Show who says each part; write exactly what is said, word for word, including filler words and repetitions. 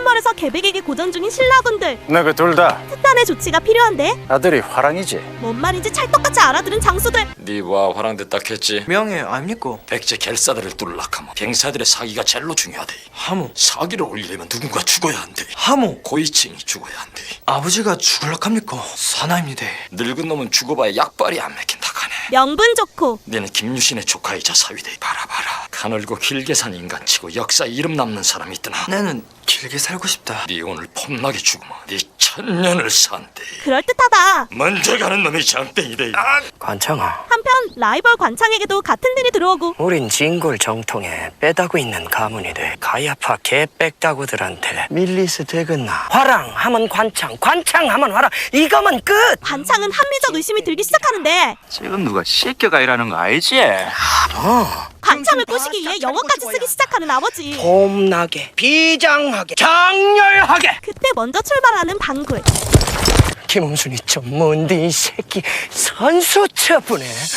Speaker 1: 산멀에서 계백에게 고전 중인 신라군들.
Speaker 2: 너그 둘 다
Speaker 1: 특단의 조치가 필요한데.
Speaker 2: 아들이 화랑이지?
Speaker 1: 뭔 말인지 찰떡같이 알아들은 장수들.
Speaker 3: 니와 화랑됐다 했지.
Speaker 4: 명예 아닙니까?
Speaker 3: 백제 결사들을 뚫락하면 병사들의 사기가 제일로 중요하대.
Speaker 4: 하모
Speaker 3: 사기를 올리려면 누군가 죽어야 한대.
Speaker 4: 하모
Speaker 3: 고위층이 죽어야 한대.
Speaker 4: 아버지가 죽을락합니까? 사나입니다.
Speaker 3: 늙은 놈은 죽어봐야 약발이 안 맥힌다 카네.
Speaker 1: 명분 좋고.
Speaker 3: 너는 김유신의 조카이자 사위대. 봐라 봐라. 가늘고 길게 산 인간치고 역사 이름 남는 사람이 있더나.
Speaker 4: 나는 길게 살고 싶다.
Speaker 3: 네 오늘 폼나게 죽으면 네 천년을 산대.
Speaker 1: 그럴듯하다.
Speaker 3: 먼저 가는 놈이 장땡이대. 아!
Speaker 5: 관창아,
Speaker 1: 한편 라이벌 관창에게도 같은 일이 들어오고.
Speaker 5: 우린 진골 정통에 빼다구 있는 가문이 돼 가야파 개빽다구들한테 밀리스 되겠나. 화랑 하면 관창, 관창 하면 화랑, 이거면 끝.
Speaker 1: 관창은 합리적 의심이 들기 시작하는데
Speaker 6: 지금 누가 씻겨가 일하는 거 알지?
Speaker 1: 관창을 꼬시기 위해 영어까지 쓰기 시작하는 아버지.
Speaker 5: 폼나게, 비장하게, 장렬하게.
Speaker 1: 그때 먼저 출발하는 방굴.
Speaker 5: 김웅순이 좀 뭔데 이 새끼 선수 처분해.